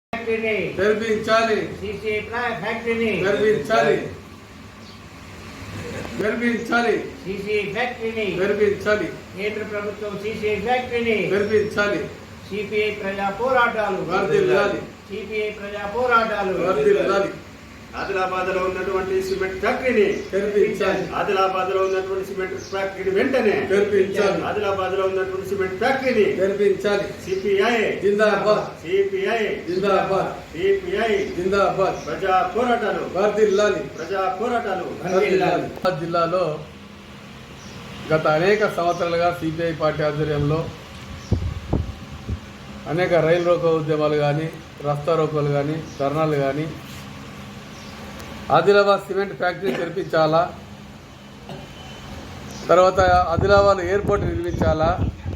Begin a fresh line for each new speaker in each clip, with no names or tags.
ఫ్యాక్టరీని
గర్భించాలి.
సీసీ ఫ్యాక్టరీని
గర్భించాలి. గర్భించాలి.
సీసీ ఫ్యాక్టరీని
గర్భించాలి.
కేంద్ర ప్రభుత్వం సీసీ ఫ్యాక్టరీని
గర్భించాలి.
సిపిఐ ప్రజా పోరాటాలు
వర్ధిల్లాలి.
సిపిఐ ప్రజా పోరాటాలు
వర్ధిల్లాలి.
ఆదిలాబాద్ లో ఉన్నటువంటి సిమెంట్ ఫ్యాక్టరీని
గర్భించాలి.
ఆదిలాబాద్ లో ఉన్నటువంటి సిమెంట్ ఫ్యాక్టరీని వెంటనే
గర్భించాలి.
ఆదిలాబాద్ లో ఉన్నటువంటి సిమెంట్ ఫ్యాక్టరీని
గర్భించాలి.
CPI
zindabad.
CPI
zindabad.
CPI
zindabad.
ప్రజా పోరాటాలు
వర్ధిల్లాలి.
ప్రజా పోరాటాలు
వర్ధిల్లాలి. జిల్లాలో గత అనేక సంవత్సరాలుగా సిపిఐ పార్టీ ఆధ్వర్యంలో అనేక రైలు రోకో ఉద్యమాలు కానీ రస్తా రోకోలు కానీ ధర్నాలు కానీ ఆదిలాబాద్ సిమెంట్ ఫ్యాక్టరీ తెరిపించాలా, తర్వాత ఆదిలాబాద్ ఎయిర్పోర్ట్ నిర్మించాలా,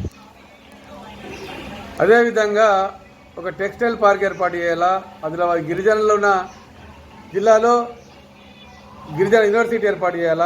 అదేవిధంగా ఒక టెక్స్టైల్ పార్క్ ఏర్పాటు చేయాలా, ఆదిలాబాద్ గిరిజనులు ఉన్న జిల్లాలో గిరిజన యూనివర్సిటీ ఏర్పాటు చేయాలా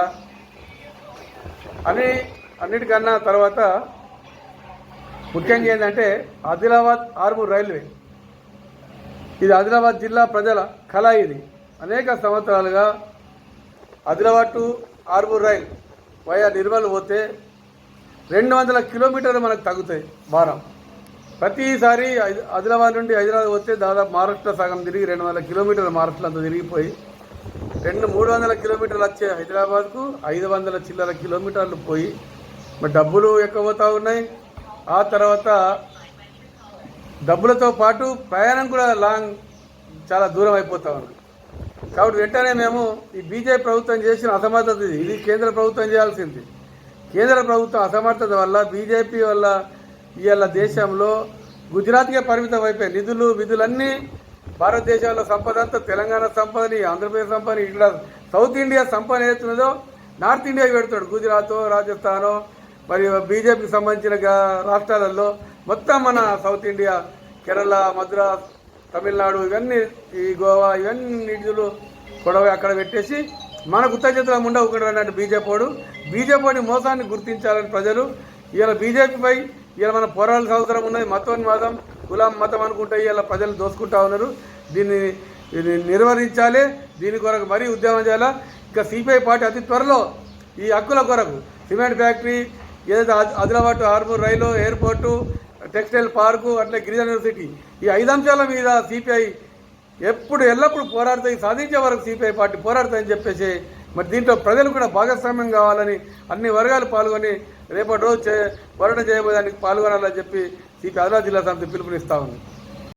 అని అన్నిటికన్నా తర్వాత ముఖ్యంగా ఏంటంటే ఆదిలాబాద్ ఆర్మూర్ రైల్వే, ఇది ఆదిలాబాద్ జిల్లా ప్రజల కళ. ఇది అనేక సంవత్సరాలుగా Adilabad to Armoor rail via Nirmal పోతే 200 కిలోమీటర్లు మనకు తగ్గుతాయి భారం. ప్రతిసారి ఆదిలాబాద్ నుండి హైదరాబాద్ పోతే దాదాపు మహారాష్ట్ర సగం తిరిగి 200 కిలోమీటర్లు మహారాష్ట్ర అంతా తిరిగిపోయి 300 కిలోమీటర్లు వచ్చే హైదరాబాద్కు 500 చిల్లర కిలోమీటర్లు పోయి మరి డబ్బులు ఎక్కువ పోతూ ఉన్నాయి. ఆ తర్వాత డబ్బులతో పాటు ప్రయాణం కూడా చాలా దూరం అయిపోతూ ఉంది. కాబట్టి వెంటనే మేము ఈ బీజేపీ ప్రభుత్వం చేసిన అసమర్థత ఇది కేంద్ర ప్రభుత్వం చేయాల్సింది. కేంద్ర ప్రభుత్వం అసమర్థత వల్ల బీజేపీ వల్ల ఇవాళ దేశంలో గుజరాత్కే పరిమితం అయిపోయాయి. విధులన్నీ భారతదేశంలో సంపద అంతా తెలంగాణ సంపదని, ఆంధ్రప్రదేశ్ సంపదని, ఇక్కడ సౌత్ ఇండియా సంపద ఏదైతున్నదో నార్త్ ఇండియాకి పెడతాడు. గుజరాత్, రాజస్థాను మరియు బీజేపీకి సంబంధించిన రాష్ట్రాలలో మొత్తం మన సౌత్ ఇండియా, కేరళ, మద్రాస్, తమిళనాడు, ఇవన్నీ ఈ గోవా ఇవన్నీ నిధులు గొడవ అక్కడ పెట్టేసి మనకు ఉత్తచేతుల ఉండకుండా అన్నట్టు బీజేపీని మోసాన్ని గుర్తించాలని ప్రజలు ఇవాళ బీజేపీపై ఇవాళ మన పోరాటాలకు అవసరం ఉన్నది. మతోన్మాదం, కులం, మతం అనుకుంటే ఇవాళ ప్రజలు దోసుకుంటా ఉన్నారు. దీన్ని నిర్వహించాలి. దీని కొరకు మరీ ఉద్యమం చేయాలా. ఇంకా సిపిఐ పార్టీ అతి త్వరలో ఈ హక్కుల కొరకు సిమెంట్ ఫ్యాక్టరీ, ఏదైతే Adilabad Armoor rail, airport, textile park, అట్లా గిరిజన యూనివర్సిటీ, ఈ 5 అంశాల మీద సిపిఐ ఎల్లప్పుడూ పోరాడుతాయి. సాధించే వరకు సిపిఐ పార్టీ పోరాడుతాయని చెప్పేసి మరి దీంట్లో ప్రజలు కూడా భాగస్వామ్యం కావాలని అన్ని వర్గాలు పాల్గొని రేపటి రోజు పోరాటం చేయబోయేదానికి పాల్గొనాలని చెప్పి సిపిఐ ఆదిలాబాద్ జిల్లా సమితి పిలుపునిస్తా ఉంది.